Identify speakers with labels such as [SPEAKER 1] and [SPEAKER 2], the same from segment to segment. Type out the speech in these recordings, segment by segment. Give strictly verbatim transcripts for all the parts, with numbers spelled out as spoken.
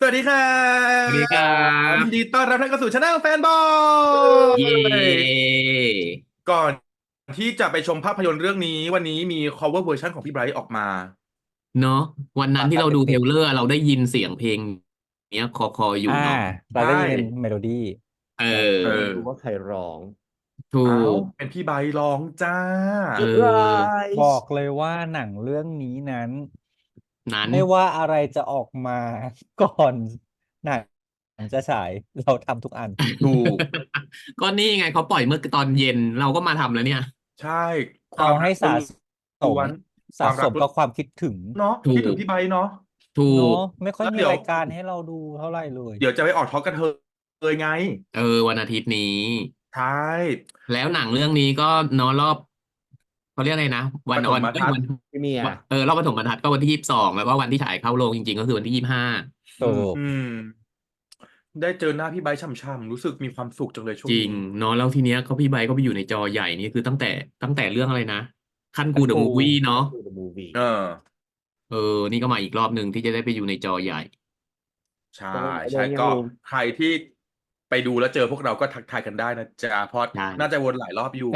[SPEAKER 1] วัสดีครั
[SPEAKER 2] สวัสดีครั
[SPEAKER 1] บยินดี
[SPEAKER 2] บ
[SPEAKER 1] ต้อนรับท่านเข้าสู่ช anel แฟนบอ
[SPEAKER 2] เย้
[SPEAKER 1] ยก่อนที่จะไปชมภาพยนตร์เรื่องนี้วันนี้มี cover version ของพี่ไบรท์ออกมา
[SPEAKER 2] เนาะวันนั้นที่เราดูเทรลเลอร์เราได้ยินเสียงเพลงเนี้ยคอคออยู่
[SPEAKER 3] อ่า
[SPEAKER 2] เนาะ
[SPEAKER 3] เรา
[SPEAKER 1] ใช่
[SPEAKER 3] ได้ยินเป็นเมโลดี้
[SPEAKER 2] เอ
[SPEAKER 3] แต่
[SPEAKER 1] เอ
[SPEAKER 3] ไม่
[SPEAKER 2] อ
[SPEAKER 3] รู้ว่าใครร้อง
[SPEAKER 2] ถู
[SPEAKER 1] เอ้า
[SPEAKER 2] ก
[SPEAKER 1] เป็นพี่ไบรท์ร้องจ้า
[SPEAKER 2] เ
[SPEAKER 3] เซอร์ไพร
[SPEAKER 2] ออ
[SPEAKER 3] บอกเลยว่าหนังเรื่องนี้นั้น
[SPEAKER 2] นั้น
[SPEAKER 3] ไม่ว่าอะไรจะออกมาก่อนหนังจะฉายเราทำทุกอัน
[SPEAKER 1] ถูก
[SPEAKER 2] ก็นี่ไงเขาปล่อยเมื่อตอนเย็นเราก็มาทำแล้วเนี่ย
[SPEAKER 1] ใช่ค
[SPEAKER 3] เอา
[SPEAKER 1] วามรั
[SPEAKER 3] ให้สะ
[SPEAKER 1] กล้
[SPEAKER 3] สม
[SPEAKER 1] วนๆค
[SPEAKER 3] สะ
[SPEAKER 1] วามรักล้วน
[SPEAKER 3] สมกับความคิดถึง
[SPEAKER 1] เนาะ
[SPEAKER 2] ถูก
[SPEAKER 1] คิดถึงพี่ไบรท์เนาะ
[SPEAKER 2] ถู
[SPEAKER 3] เนาะ
[SPEAKER 2] ก
[SPEAKER 3] ไม่ค่อยมี
[SPEAKER 1] แล้วเดี๋ยว
[SPEAKER 3] รายการให้เราดูเท่าไหร่เลย
[SPEAKER 1] เดี๋ยวจะไปออกทอล์กกันเธอเลยไง
[SPEAKER 2] เออวันอาทิตย์นี้
[SPEAKER 1] ใช่
[SPEAKER 2] แล้วหนังเรื่องนี้ก็เนอะรอบเขาเรียกอะไรนะ
[SPEAKER 1] ปฐ
[SPEAKER 2] วันออน
[SPEAKER 1] มทัศน์
[SPEAKER 2] เอ้ยวัน
[SPEAKER 3] พี่เมีย
[SPEAKER 2] วันเออรอบปฐมบรรทัดก็วันที่ยี่สิบสองแล้วก็วันที่ฉายเข้าโรงจริงๆก็คือวันที่ยี่สิบห้า
[SPEAKER 3] ถูก
[SPEAKER 1] อืมได้เจอหน้าพี่ไบร์ทช่ำๆรู้สึกมีความสุขจังเลยช่ว
[SPEAKER 2] จริง
[SPEAKER 1] งนี้
[SPEAKER 2] เนาะแล้วทีเนี้ยเขาพี่ไบค์ก็ไปอยู่ในจอใหญ่นี่คือตั้งแต่ตั้งแต่เรื่องอะไรนะคันกูเดอะ
[SPEAKER 3] คันกู
[SPEAKER 2] มูฟวี่เนาะ
[SPEAKER 3] คันกู เดอะ มูฟวี่
[SPEAKER 1] เออ
[SPEAKER 2] เออนี่ก็มาอีกรอบหนึ่งที่จะได้ไปอยู่ในจอใหญ่
[SPEAKER 1] ใช่
[SPEAKER 3] ตรงโด
[SPEAKER 1] ใช่ก็
[SPEAKER 3] นยังลุง
[SPEAKER 1] ใครที่ไปดูแล้วเจอพวกเราก็ทักทายกันได้นะจ๊ะเพราะ
[SPEAKER 2] ใช่
[SPEAKER 1] น่าจะวนหลายรอบอยู่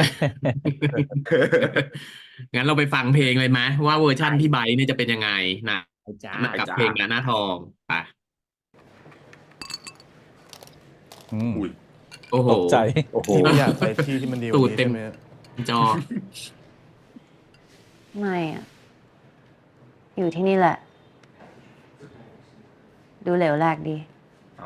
[SPEAKER 2] งั้นเราไปฟังเพลงเลยไหมว่าเวอร์ชั่นพี่ไบ
[SPEAKER 1] ได้
[SPEAKER 2] ค์เนี่ยจะเป็นยังไงนะ
[SPEAKER 3] ไปจ้า
[SPEAKER 1] ได้จ้า
[SPEAKER 2] กับเพลงหน้าทองไป
[SPEAKER 3] อืม
[SPEAKER 1] อุ้ย
[SPEAKER 2] โอ้โห
[SPEAKER 3] ตกใจ
[SPEAKER 4] โอ้โหอยากไปที่ที่มันดีก
[SPEAKER 2] ตู
[SPEAKER 4] ว่า
[SPEAKER 2] ด
[SPEAKER 4] นี้
[SPEAKER 2] เต็ม
[SPEAKER 4] ใช่ไหม
[SPEAKER 2] จอ
[SPEAKER 5] ไม่อะอยู่ที่นี่แหละ ดูเหลวแหลกดี
[SPEAKER 1] เอา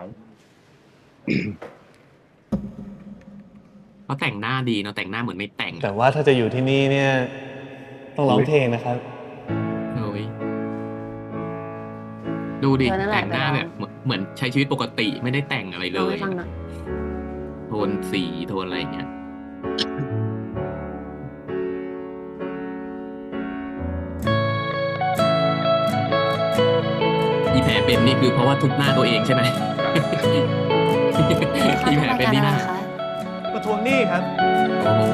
[SPEAKER 2] เขาแต่งหน้าดีเนาะแต่งหน้าเหมือนไม่แต่ง
[SPEAKER 4] แต่
[SPEAKER 2] อะ
[SPEAKER 4] ว่าถ้าจะอยู่ที่นี่เนี่ยต้องร้องเพลงนะครับ
[SPEAKER 2] เฮ้ยดูดิ
[SPEAKER 5] เธอนั่นแห
[SPEAKER 2] แต่
[SPEAKER 5] ละ
[SPEAKER 2] งหน้า
[SPEAKER 5] ไปลอง
[SPEAKER 2] แบบเหมือนเหมือนใช้ชีวิตปกติไม่ได้แต่งอะไร
[SPEAKER 5] ลองให้
[SPEAKER 2] เลย
[SPEAKER 5] ฟังหน่อย
[SPEAKER 2] โทนสีโทนอะไรเงี้ยอีแผลเป็นนี่คือเพราะว่าทุบหน้าตัวเองใช่ไหม
[SPEAKER 5] คะ
[SPEAKER 2] อี
[SPEAKER 5] ทำ
[SPEAKER 2] แผล
[SPEAKER 5] ราย
[SPEAKER 2] เป็น
[SPEAKER 5] การ
[SPEAKER 2] นี่
[SPEAKER 5] อะไร
[SPEAKER 2] นะ
[SPEAKER 5] คะ
[SPEAKER 4] มาทวงหนี้ครับ
[SPEAKER 2] โอ้โห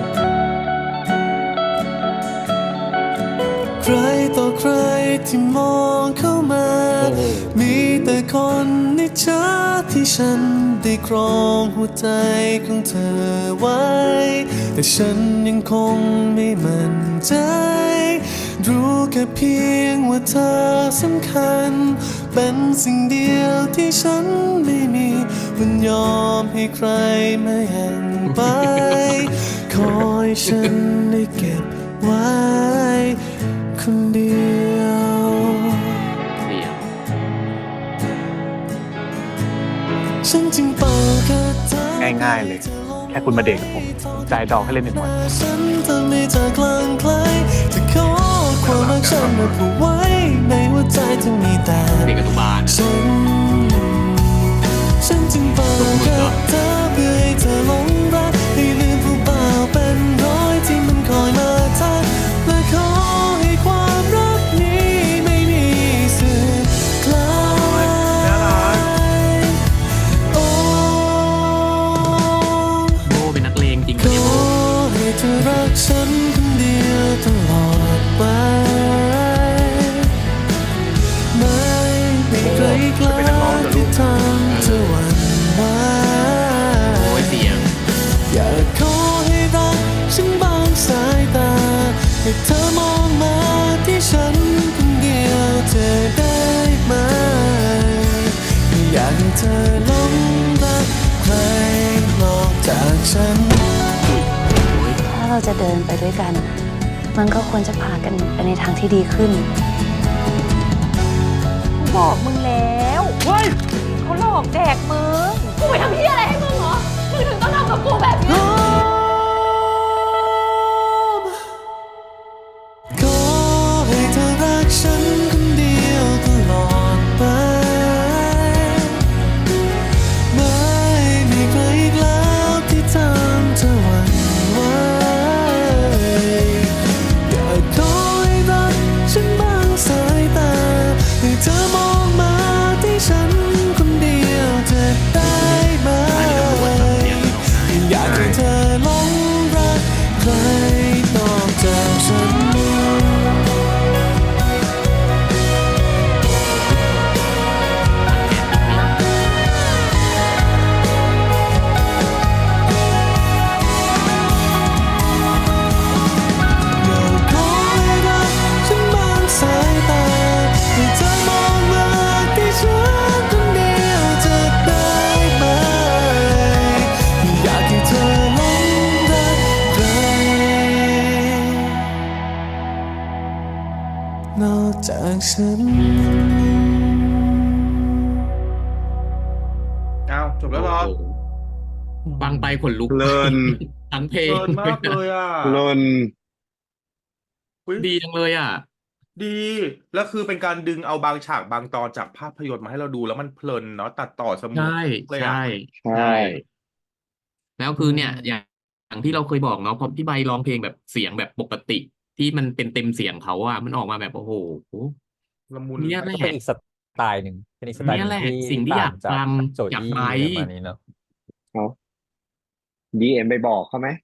[SPEAKER 6] ใครต่อใครที่มองเข้ามา
[SPEAKER 2] โอ้โห
[SPEAKER 6] มีแต่คนนิจฉาที่ฉันได้ครองหัวใจของเธอไว้ แต่ฉันยังคงไม่มั่นใจ รู้แค่เพียงว่าเธอสำคัญ เป็นสิ่งเดียวที่ฉันไม่มีวันยอมให้ใครมาแย่งไป คอยฉันได้เก็บไว้คนเดียว
[SPEAKER 2] เสียง
[SPEAKER 6] ฉันจึงเป่าแค่เธอ
[SPEAKER 4] ง่ายๆเลย แค่คุณมาเดทกับผมผมจ่ายดอกให้เล่นหนึ่งวัน
[SPEAKER 6] ฉันทำให้เธอกลางไกลจะขอความรักฉันมาผูกไว้ในหัวใจจะมีแต่
[SPEAKER 2] เด็กอนุบาล
[SPEAKER 6] ฉัน ฉันจึงเป่าแค่เธอเพื่อให้เธอหลงรักให้ลืมผู้บ่าวเป็นร้อยที่มันคอยมาทักและขอให้ความรักนี้ไม่มีสึกคลายโอ้
[SPEAKER 2] โบเป็นนักเลงจริง
[SPEAKER 6] ข
[SPEAKER 2] ปะเนี่ย
[SPEAKER 6] อ
[SPEAKER 2] โบ
[SPEAKER 6] ให้เธอรักฉันคนเดียวตลอดไปไม่มีใครกล้าที่ทำเธอหวั่นไหว
[SPEAKER 2] โอ้ยเสียง
[SPEAKER 6] อยากขอให้รักฉันบางสายตาให้เธอมองมาที่ฉันคนเดียวเธอได้ไหมไม่อยากให้เธอหลงรักใครนอกจากฉัน
[SPEAKER 5] ถ้าเราจะเดินไปด้วยกัน มันก็ควรจะพากันไปในทางที่ดีขึ้น
[SPEAKER 7] บอกมึงแล้วเฮ้ยเขาหลอกแดกมึง กูไปทำเพี้ยอะไรให้มึงเหรอ มึงถึงต้องทำกับกูแบบนี้
[SPEAKER 6] ขอให้เธอรักฉันคนเดียวตลอดไปไม่มีใครอีกแล้วที่ทำเธอหวั่นไหวอยากขอให้รักฉันบางสายตาให้เธอมองมาที่ฉันคนเดียวจะได้ไหมอยากให้เธอหลนอกจากฉัน
[SPEAKER 1] อ้าวจบแล้วเหรอ
[SPEAKER 2] โอ้โหฟังไปขนลุก
[SPEAKER 8] เพลิน
[SPEAKER 2] ทั้งเพล
[SPEAKER 1] เพ
[SPEAKER 2] ง
[SPEAKER 1] ลินมากเลยอ่ะ
[SPEAKER 8] เพลิน
[SPEAKER 1] อุ๊ย
[SPEAKER 2] ดีจังเลยอ่ะ
[SPEAKER 1] ดีแล้วคือเป็นการดึงเอาบางฉากบางตอนจากภาพยนตร์มาให้เราดูแล้วมันเพลินเนาะตัดต่อสมูท
[SPEAKER 2] ใช่
[SPEAKER 1] เลยอ่ะ
[SPEAKER 2] ใช่
[SPEAKER 8] ใช่
[SPEAKER 2] ใช่ แล้วคือเนี่ย อย่างอย่างที่เราเคยบอกเนาะพอพี่ใบร้องเพลงแบบเสียงแบบปกติ ที่มันเป็นเต็มเสียงเขาอะมันออกมาแบบโอ้โห
[SPEAKER 1] ละมุน
[SPEAKER 2] เนี่ย
[SPEAKER 3] มัน
[SPEAKER 2] แห
[SPEAKER 3] ก็เป็น
[SPEAKER 2] ละ
[SPEAKER 3] อีกสไตล์หนึ่งเป็นอีกสไตล์
[SPEAKER 2] เนี่
[SPEAKER 3] ห
[SPEAKER 2] ย
[SPEAKER 3] นึ่
[SPEAKER 2] แห
[SPEAKER 3] ง
[SPEAKER 2] ละ
[SPEAKER 3] ที่
[SPEAKER 2] สิ่งที่
[SPEAKER 3] ต่า
[SPEAKER 2] อง ยาก
[SPEAKER 3] จาก
[SPEAKER 2] ฟัง
[SPEAKER 3] โจ
[SPEAKER 2] จาก
[SPEAKER 3] อี้
[SPEAKER 2] ไบร
[SPEAKER 3] อะไร
[SPEAKER 2] ท์
[SPEAKER 3] ประมาณนี้เนาะ
[SPEAKER 8] เอาดีเอ็มไปบอกเขาไหม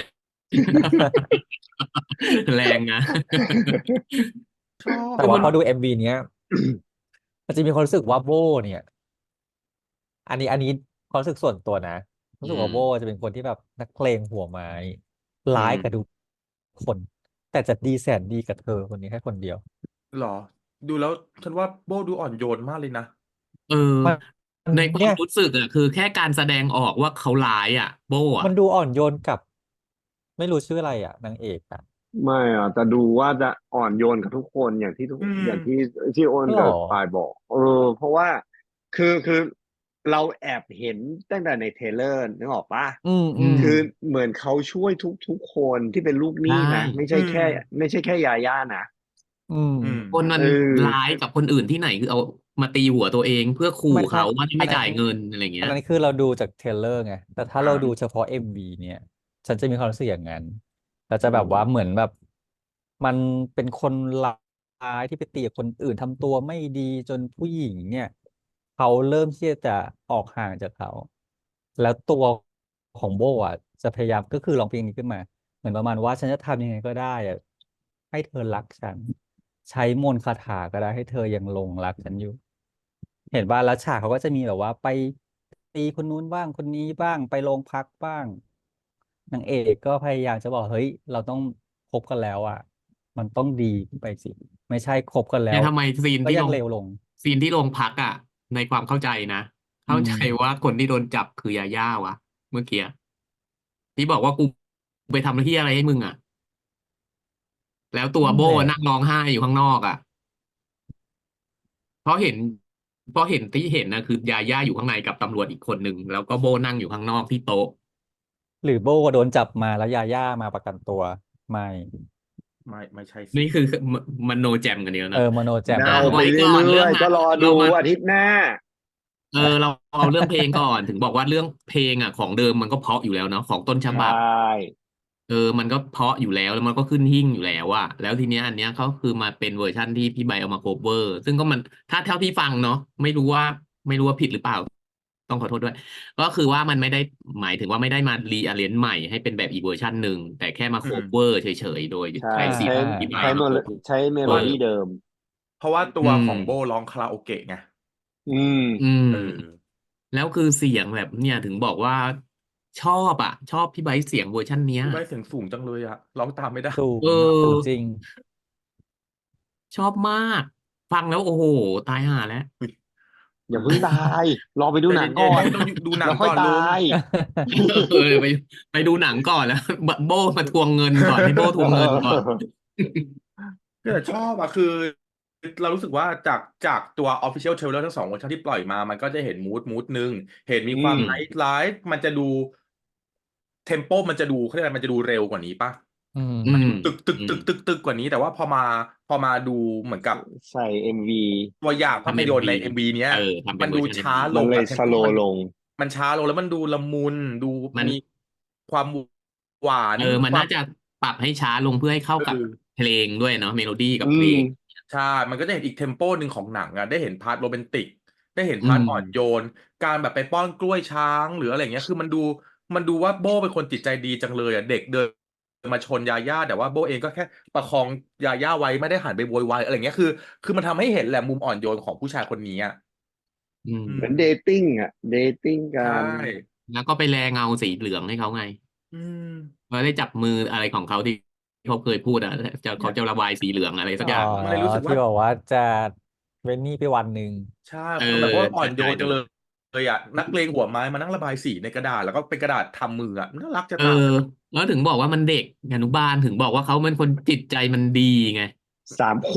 [SPEAKER 2] แรงนะ
[SPEAKER 1] ชอบ
[SPEAKER 3] แต่
[SPEAKER 2] คือ
[SPEAKER 3] ว่า
[SPEAKER 2] มัน
[SPEAKER 3] พอดูเอ็มวีเนี้ย มันจะมีความรู้สึกว่าโบเนี่ย อันนี้อันนี้ความรู้สึกส่วนตัวนะรู้สึกว่า
[SPEAKER 2] อืม
[SPEAKER 3] โบจะเป็นคนที่แบบนักเพลงหัวไม้
[SPEAKER 2] อื
[SPEAKER 3] ร้าย
[SPEAKER 2] ม
[SPEAKER 3] กับทุกคน แต่จะดีแสนดีกับเธอคนนี้แค่คนเดียว
[SPEAKER 1] เหรอ ดูแล้วฉันว่าโบดูอ่อนโยนมากเลยนะ
[SPEAKER 2] เออ
[SPEAKER 3] มัน
[SPEAKER 2] ในควา
[SPEAKER 3] เนี่
[SPEAKER 2] ม
[SPEAKER 3] ย
[SPEAKER 2] รู้สึกอะคือแค่การแสดงออกว่าเขาร้ายอะโบ
[SPEAKER 3] มั
[SPEAKER 2] อะ
[SPEAKER 3] นดูอ่อนโยนกับ ไม่รู้ชื่ออะไรอ่ะนางเอกอ่ะ
[SPEAKER 8] ไม่อ่ะแต่ดูว่าจะอ่อนโยนกับทุกคนอย่างที่ทุก
[SPEAKER 1] อืม
[SPEAKER 8] อย่างที่ที่โอน
[SPEAKER 3] หร
[SPEAKER 8] กับ
[SPEAKER 3] อ
[SPEAKER 8] ปายบอก เออ เพราะว่าคือคือเราแอบเห็นตั้งแต่ในเทรลเลอร์นึกออกปะ
[SPEAKER 3] อืม
[SPEAKER 2] อื
[SPEAKER 3] อืม
[SPEAKER 2] ม
[SPEAKER 8] คือเหมือนเขาช่วยทุกทุกคนที่เป็นลูกห
[SPEAKER 2] ใช่
[SPEAKER 8] นี้นะ ไม่
[SPEAKER 1] อื
[SPEAKER 8] ใช่
[SPEAKER 1] ม
[SPEAKER 8] แค่ ไม่ใช่แค่ยาย่านะ
[SPEAKER 3] อืม
[SPEAKER 1] อืม
[SPEAKER 2] คนมั
[SPEAKER 8] เอน อ
[SPEAKER 2] ร้ายกับคนอื่นที่ไหนคือเอามาตีหัวตัวเองเพื่อขู่
[SPEAKER 3] ไม่
[SPEAKER 2] เขาว่าถ้า
[SPEAKER 3] อั
[SPEAKER 2] ไม่
[SPEAKER 3] นนั้
[SPEAKER 2] จ่าน ยเงินอะไร
[SPEAKER 3] อั
[SPEAKER 2] เงี้
[SPEAKER 3] น
[SPEAKER 2] ย
[SPEAKER 3] นั้นคือเราดูจากเทรลเลอร์ไง แต่ถ้า
[SPEAKER 1] อ่า
[SPEAKER 3] เราดูเฉพาะ เอ็ม วี เนี่ย ฉันจะมีความรู้สึกอย่างนั้นเราจะ
[SPEAKER 8] อื
[SPEAKER 3] แบบ
[SPEAKER 8] ม
[SPEAKER 3] ว่าเหมือนแบบ มันเป็นคนร้ายที่ไปตีกับคนอื่นทำตัวไม่ดีจนผู้หญิงเนี่ย เขาเริ่มที่จะออกห่างจากเขา แล้วตัวของโบอ่ะจะพยายามก็คือร้องเพลงนี้ขึ้นมา เหมือนประมาณว่าฉันจะทำยังไงก็ได้อะให้เธอรักฉัน ใช้มนต์คาถาก็ได้ให้เธอยังหลงรักฉันอยู่ เห็นว่าแล้วฉากเขาก็จะมีแบบว่าไปตีคนนู้นบ้างคนนี้บ้างไปโรงพักบ้างนางเอกก็พยายามจะบอกเฮ้ยเราต้องคบกันแล้วอ่ะ มันต้องดีขึ้นไปสิ ไม่ใช่คบกันแล้
[SPEAKER 2] เนี่
[SPEAKER 3] วย
[SPEAKER 2] ทำไมซีน
[SPEAKER 3] ก็
[SPEAKER 2] ที่
[SPEAKER 3] ยั
[SPEAKER 2] ล
[SPEAKER 3] ง
[SPEAKER 2] ง
[SPEAKER 3] เลวลง
[SPEAKER 2] ซีนที่โรงพักอะในความเข้าใจนะ
[SPEAKER 3] อื
[SPEAKER 2] เข้าใจ
[SPEAKER 3] ม
[SPEAKER 2] ว่าคนที่โดนจับคือยาย่าวะ เมื่อกี้ที่บอกว่ากูไปทำที่อะไรให้มึงอะแล้วตัว
[SPEAKER 3] นั่น
[SPEAKER 2] โบ
[SPEAKER 3] แหละ
[SPEAKER 2] นั่งร้องไห้อยู่ข้างนอกอะเพราะเห็น เพราะเห็นที่เห็นนะคือยาย่าอยู่ข้างในกับตำรวจอีกคนหนึ่งแล้วก็โบนั่งอยู่ข้างนอกที่โต๊ะ
[SPEAKER 3] หรือโบโดนจับมาแล้วยาย่ามาประกันตัวไม่
[SPEAKER 1] ไม่ไม่ใช่สิ
[SPEAKER 2] นี่คือมมันโนแจมกันเดียว
[SPEAKER 3] เอ
[SPEAKER 2] นะ
[SPEAKER 3] อมโนแจม
[SPEAKER 8] เดา
[SPEAKER 3] กัน
[SPEAKER 8] ไป
[SPEAKER 2] ไว้ก่อน
[SPEAKER 8] เรื่
[SPEAKER 2] เรื่
[SPEAKER 8] อ
[SPEAKER 2] อง
[SPEAKER 8] ยๆ ก็
[SPEAKER 2] นั้น
[SPEAKER 8] รอ
[SPEAKER 2] เรา
[SPEAKER 8] ดู
[SPEAKER 2] มา
[SPEAKER 8] อาทิตย์หน้า
[SPEAKER 2] เออเราเอาเรื่องเพลงก่อน ถึงบอกว่าเรื่องเพลงอ่ะของเดิมมันก็เพราะอยู่แล้วเนาะของต้นฉ
[SPEAKER 8] ใช
[SPEAKER 2] บับ
[SPEAKER 8] ่
[SPEAKER 2] เออ มันก็เพราะอยู่แล้วแล้วมันก็ขึ้นหิ้งอยู่แล้วอะแล้วทีเนี้ยอันเนี้ยเขาคือมาเป็นเวอร์ชั่นที่พี่ใบเอามาโคเวอร์ ซึ่งก็มันถ้าเท่าที่ฟังเนาะไม่รู้ว่าไม่รู้ว่าผิดหรือเปล่า ต้องขอโทษด้วย ก็คือว่ามันไม่ได้หมายถึงว่าไม่ได้มารีอาเรนจ์ใหม่ให้เป็นแบบอีกเวอร์ชันหนึ่งแต่แค่มา
[SPEAKER 1] อื
[SPEAKER 2] โค
[SPEAKER 1] ม
[SPEAKER 2] เวอร์เฉยๆโดย
[SPEAKER 8] ใช่
[SPEAKER 2] ใช้ซีน
[SPEAKER 3] อ่า
[SPEAKER 2] ของพี่ใบ
[SPEAKER 8] ใช้
[SPEAKER 2] มา
[SPEAKER 8] โม
[SPEAKER 2] โค
[SPEAKER 8] เลใช้เม
[SPEAKER 2] เว
[SPEAKER 8] โล
[SPEAKER 2] อร์
[SPEAKER 8] ดี้เดิม
[SPEAKER 1] เพราะว่าตั
[SPEAKER 2] อื
[SPEAKER 1] ว
[SPEAKER 2] ม
[SPEAKER 1] ของโบร้องคาราโอเกะไง
[SPEAKER 8] อืม
[SPEAKER 2] อืม
[SPEAKER 1] เออ
[SPEAKER 2] แล้วคือเสียงแบบเนี่ยถึงบอกว่าชอบอะชอบพี่ไบร์ทเสียงเวอร์ชันเนี้ย
[SPEAKER 1] พี่ใบเสียงสูงจังเลยอะร้องตามไม่ได้
[SPEAKER 3] สูง
[SPEAKER 2] เอ
[SPEAKER 3] สู
[SPEAKER 2] อ
[SPEAKER 3] งจริง
[SPEAKER 2] ชอบมาก ฟังแล้วโอ้โห ตายห่าแล้ว
[SPEAKER 8] อย่าเพิ่งตาย รอไปดู
[SPEAKER 1] ใจ
[SPEAKER 8] หนัง
[SPEAKER 1] เย็
[SPEAKER 8] ก่
[SPEAKER 1] น
[SPEAKER 8] อ
[SPEAKER 1] ๆ
[SPEAKER 8] น
[SPEAKER 1] ให้ต้องดูหนั
[SPEAKER 8] แล้
[SPEAKER 1] ง
[SPEAKER 8] วค่
[SPEAKER 1] ก่
[SPEAKER 8] อย
[SPEAKER 1] อนลุ
[SPEAKER 8] ตาง ย
[SPEAKER 2] เออไปไปดูหนังก่อนแล้วโบมาทวงเงินก่อนให้โบทวงเงินก่อน
[SPEAKER 1] แต่ชอบอะคือ เรารู้สึกว่าจากจากตัว Official Trailer ทั้งสองเวอร์ชันที่ปล่อยมา มันก็จะเห็นมูดมูดหนึ่งเห็นมี
[SPEAKER 8] อื
[SPEAKER 1] ความ
[SPEAKER 8] ม
[SPEAKER 1] ไนท์ไลฟ์มันจะดูเทมโปมันจะดูเขาเรียกอะไรมันจะดูเร็วกว่านี้ปะ
[SPEAKER 3] อืม
[SPEAKER 2] อืม
[SPEAKER 1] ตึกตึก
[SPEAKER 2] อื
[SPEAKER 1] ตึ
[SPEAKER 2] ม
[SPEAKER 1] กตึกตึกกว่านี้ แต่ว่าพอมาพอมาดูเหมือนกับ
[SPEAKER 8] ใส่ เอ็ม วี
[SPEAKER 1] ตัวอย่างภา
[SPEAKER 2] ทำ
[SPEAKER 1] พ
[SPEAKER 2] เอ็
[SPEAKER 1] ย
[SPEAKER 2] ม
[SPEAKER 1] นตร์
[SPEAKER 2] วี
[SPEAKER 1] ใน เอ็ม วี เนี้ย
[SPEAKER 2] เออทำเป็
[SPEAKER 1] มัน น
[SPEAKER 2] เวอ
[SPEAKER 1] ดู
[SPEAKER 2] ร์ชัน
[SPEAKER 1] ช้า
[SPEAKER 2] เอ็มวี
[SPEAKER 1] ล
[SPEAKER 8] มัน
[SPEAKER 1] ง
[SPEAKER 8] เลย
[SPEAKER 1] อะเท
[SPEAKER 8] ส
[SPEAKER 1] ม
[SPEAKER 8] โล
[SPEAKER 1] โปมัน
[SPEAKER 8] ลง
[SPEAKER 1] มันช้าลงแล้วมันดูละมุนดู
[SPEAKER 2] มัน
[SPEAKER 1] มีความหวาน
[SPEAKER 2] เออมัน
[SPEAKER 1] ควา
[SPEAKER 2] น่าม จะปรับให้ช้าลงเพื่อให้เข้า
[SPEAKER 1] เอ
[SPEAKER 2] กับ
[SPEAKER 1] อ
[SPEAKER 2] เพลงด้วยเนาะเมโลดี้กับ
[SPEAKER 8] อื
[SPEAKER 2] เพล
[SPEAKER 8] ม
[SPEAKER 2] ง
[SPEAKER 1] ใช่ มันก็จะเห็นอีกเทมโปหนึ่งของหนังอะได้เห็นพาร์ทโรแมนติก ได้เห็น
[SPEAKER 2] อื
[SPEAKER 1] พาร์ท
[SPEAKER 2] ม
[SPEAKER 1] อ่อนโยน การแบบไปป้อนกล้วยช้างหรืออะไรเงี้ย คือมันดูมันดูว่าโบ้เป็นคนจิตใจดีจังเลยอะเด็กเดินมาชนยาย่าแต่ว่าโบ้เองก็แค่ประคองยาย่าไว้ไม่ได้หันไปโวยวายอะไรเงี้ยคือ คือมันทำให้เห็นแหละมุมอ่อนโยนของผู้ชายคนนี้อะ
[SPEAKER 2] อืม
[SPEAKER 1] อื
[SPEAKER 8] เหมือน
[SPEAKER 1] ม
[SPEAKER 8] เดทติ้งอ่ะ เดทติ้งกั
[SPEAKER 1] ใช่
[SPEAKER 8] น
[SPEAKER 2] แล้วก็ไปแลเงาสีเหลืองให้เขาไง
[SPEAKER 1] อืม
[SPEAKER 2] เราได้จับมืออะไรของเขาที่เขาเคยพูดอะจะเขาจะระบายสีเหลืองอะไรสัก
[SPEAKER 3] อ๋
[SPEAKER 2] อ
[SPEAKER 3] อย่าง
[SPEAKER 1] มันเลยรู้สึกว่า
[SPEAKER 3] ที่บอกว่าจะเว้นหนี้ไปวันหนึ่ง
[SPEAKER 1] ใช่
[SPEAKER 2] เอ
[SPEAKER 1] คือ
[SPEAKER 2] อ
[SPEAKER 1] แบบว่าอ่อนโย
[SPEAKER 2] ใช่
[SPEAKER 1] นจังเลยเลยอะนักเลงหัวไม้มานั่งระบายสีในกระดาษแล้วก็เป็นกระดาษทำมืออะน่ารักจะ
[SPEAKER 2] เอ
[SPEAKER 1] ตาย
[SPEAKER 2] อ แล้วถึงบอกว่ามันเด็กอนุบาลถึงบอกว่าเขาเป็นคนจิตใจมันดีไง
[SPEAKER 8] สามขวบ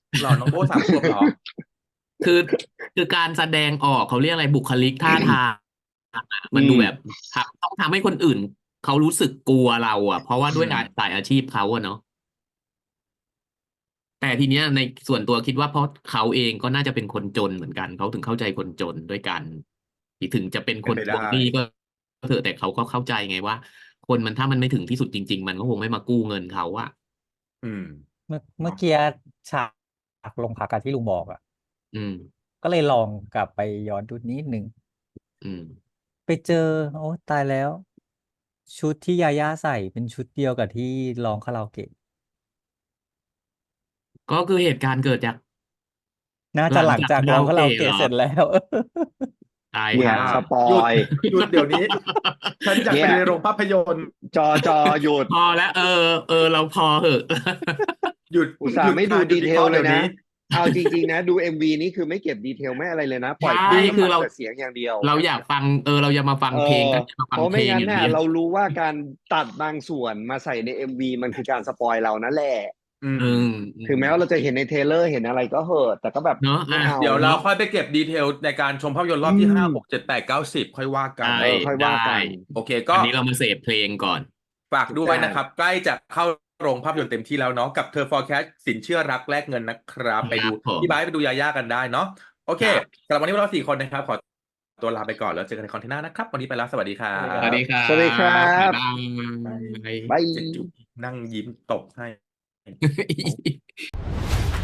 [SPEAKER 1] หรอน้องโบสามขวบเหรอ
[SPEAKER 2] คือคือการแสดงออกเขาเรียกอะไรบุคลิกท่าทางอะมัน
[SPEAKER 8] อื
[SPEAKER 2] ดู
[SPEAKER 8] ม
[SPEAKER 2] แบบทำต้องทำให้คนอื่นเขารู้สึกกลัวเราอ่ะ เพราะว่า
[SPEAKER 1] อื
[SPEAKER 2] ด้วย
[SPEAKER 1] ม
[SPEAKER 2] สายอาชีพเขาอะเนาะแต่ทีเนี้ยในส่วนตัวคิดว่าเพราะเขาเองก็น่าจะเป็นคนจนเหมือนกันเขาถึงเข้าใจคนจนด้วยกันถึงจะเป็น
[SPEAKER 1] เป็
[SPEAKER 2] คน น
[SPEAKER 1] ไป
[SPEAKER 2] ท
[SPEAKER 1] ได้
[SPEAKER 2] วงหนี้ก็เถอะแต่เขาก็เข้าใจไงว่า คนมันถ้ามันไม่ถึงที่สุดจริง ๆ มันก็คงไม่มากู้เงินเขาอะ
[SPEAKER 1] อืม
[SPEAKER 3] เมื่อเมื่อ
[SPEAKER 1] เนาะ
[SPEAKER 3] กี้ฉากลงพักอะที่ลุงบอกอ่ะ
[SPEAKER 2] อืม
[SPEAKER 3] ก็เลยลองกลับไปย้อนดูนิดนึง
[SPEAKER 2] อืม
[SPEAKER 3] ไปเจอ โอ้ตายแล้ว ชุดที่ยาย่าใส่เป็นชุดเดียวกับที่ร้องคาราโอเกะ
[SPEAKER 2] ก็คือเหตุการณ์เกิดจาก
[SPEAKER 3] น่า
[SPEAKER 2] ห
[SPEAKER 3] จะ
[SPEAKER 2] ลัง
[SPEAKER 3] หลัง
[SPEAKER 2] จาก
[SPEAKER 3] จาก
[SPEAKER 2] คา
[SPEAKER 3] ร้
[SPEAKER 2] รา
[SPEAKER 3] อง
[SPEAKER 2] โอ
[SPEAKER 3] คารา
[SPEAKER 2] เกะ
[SPEAKER 3] โอ
[SPEAKER 2] เหร
[SPEAKER 3] เกะ
[SPEAKER 2] อ
[SPEAKER 3] เสร็จแล้ว
[SPEAKER 2] ตาย
[SPEAKER 8] เนี่ย
[SPEAKER 2] ห่า
[SPEAKER 8] สปอ
[SPEAKER 1] หยุด
[SPEAKER 8] ย
[SPEAKER 1] หยุดเดี๋ยวนี้ ฉันอยาก
[SPEAKER 8] เนี่
[SPEAKER 1] ไป
[SPEAKER 8] ย
[SPEAKER 1] ในโรงภาพยนตร์
[SPEAKER 8] จอจอหยุด
[SPEAKER 2] พอแล้วเออ เออ เราพอเหอะ
[SPEAKER 1] หยุด
[SPEAKER 8] อุตส่า
[SPEAKER 1] หยุ
[SPEAKER 8] ห์
[SPEAKER 1] ด
[SPEAKER 8] ไม่ดู
[SPEAKER 1] ค่ะหยุ
[SPEAKER 8] ดี
[SPEAKER 1] ดวิ
[SPEAKER 8] เท
[SPEAKER 1] เค
[SPEAKER 8] ล
[SPEAKER 1] ราะห์
[SPEAKER 8] เล
[SPEAKER 1] เดี๋
[SPEAKER 8] ย
[SPEAKER 1] ยว
[SPEAKER 8] นะ
[SPEAKER 1] นี้
[SPEAKER 8] เอาจริง ๆ นะ ดู เอ็ม วี นี่คือไม่เก็บดีเทลไม่อะไรเลยนะ ปล่อย
[SPEAKER 2] ใช่
[SPEAKER 8] ปุ๊บ
[SPEAKER 2] คือ
[SPEAKER 8] ฟัง
[SPEAKER 2] เรา
[SPEAKER 8] แต่เสียงอย่างเดียว
[SPEAKER 2] เราอยากฟัง เออ เราจะมาฟัง
[SPEAKER 8] เอ
[SPEAKER 2] เพลง
[SPEAKER 8] อ
[SPEAKER 2] ก็จะมา
[SPEAKER 8] เพ
[SPEAKER 2] ฟัง
[SPEAKER 8] ราะ
[SPEAKER 2] เพ
[SPEAKER 8] ไม่
[SPEAKER 2] ลง
[SPEAKER 8] งั้
[SPEAKER 2] อน ย่าง
[SPEAKER 8] น่ะ
[SPEAKER 2] เดียว
[SPEAKER 8] เรารู้ว่าการตัดบางส่วนมาใส่ใน เอ็ม วี มันคือการสปอยเรานั่นแหละ
[SPEAKER 1] อื
[SPEAKER 2] อื
[SPEAKER 1] ม
[SPEAKER 2] ม อื
[SPEAKER 8] ถึงแม้ว่าเราจะเห็นในเทรลเลอร์เห็นอะไรก็เหอะ แต่ก็แบบ
[SPEAKER 2] เนาะ
[SPEAKER 8] ไม่
[SPEAKER 2] อ่ะ
[SPEAKER 8] เอา
[SPEAKER 1] เดี๋ยวเรา
[SPEAKER 2] เนาะ
[SPEAKER 1] ค่อยไปเก็บดีเทลในการชมภาพยนตร์ร
[SPEAKER 8] อื
[SPEAKER 1] อบที่ห้า
[SPEAKER 8] ม
[SPEAKER 1] หก เจ็ด แปด เก้า สิบ ค่อยว่ากั
[SPEAKER 2] ได้
[SPEAKER 1] น
[SPEAKER 8] เออ ค่อย
[SPEAKER 2] ได
[SPEAKER 8] ว่าก้ ัน
[SPEAKER 1] โอเค
[SPEAKER 2] วั
[SPEAKER 1] ก็
[SPEAKER 2] นนี้เรามาเสพเพลงก่อน
[SPEAKER 1] ฝากด้ว
[SPEAKER 8] ใช
[SPEAKER 1] ยนะครับ ใกล้จะเข้าโรงภาพยนตร์เต็มที่แล้วเนาะ กับ เธอ Forecast สินเชื่อรักแลกเงินนะครับ
[SPEAKER 2] ค
[SPEAKER 1] ไป
[SPEAKER 2] รั
[SPEAKER 1] ดู
[SPEAKER 2] บผ
[SPEAKER 1] พี่
[SPEAKER 2] ม
[SPEAKER 1] ไบร์ทไปดูยาย่ากันได้เนาะ โอเค
[SPEAKER 2] ครับ
[SPEAKER 1] สำหรับวันนี้พวกเรา สี่ คนนะครับ ขอตัวลาไปก่อน แล้วเจอกันในคอนเทนต์หน้านะครับ วันนี้ไปแล้ว สวัสดีครั
[SPEAKER 8] สวัสดีค
[SPEAKER 1] บ
[SPEAKER 8] รับ
[SPEAKER 2] สวัสดีครั
[SPEAKER 8] สวัสดีครับ
[SPEAKER 2] บ บ๊ายบา
[SPEAKER 1] บาย
[SPEAKER 2] ย
[SPEAKER 8] บาย
[SPEAKER 1] เจ็ดจุ๊บนั่งยิ้มตบให้
[SPEAKER 2] ย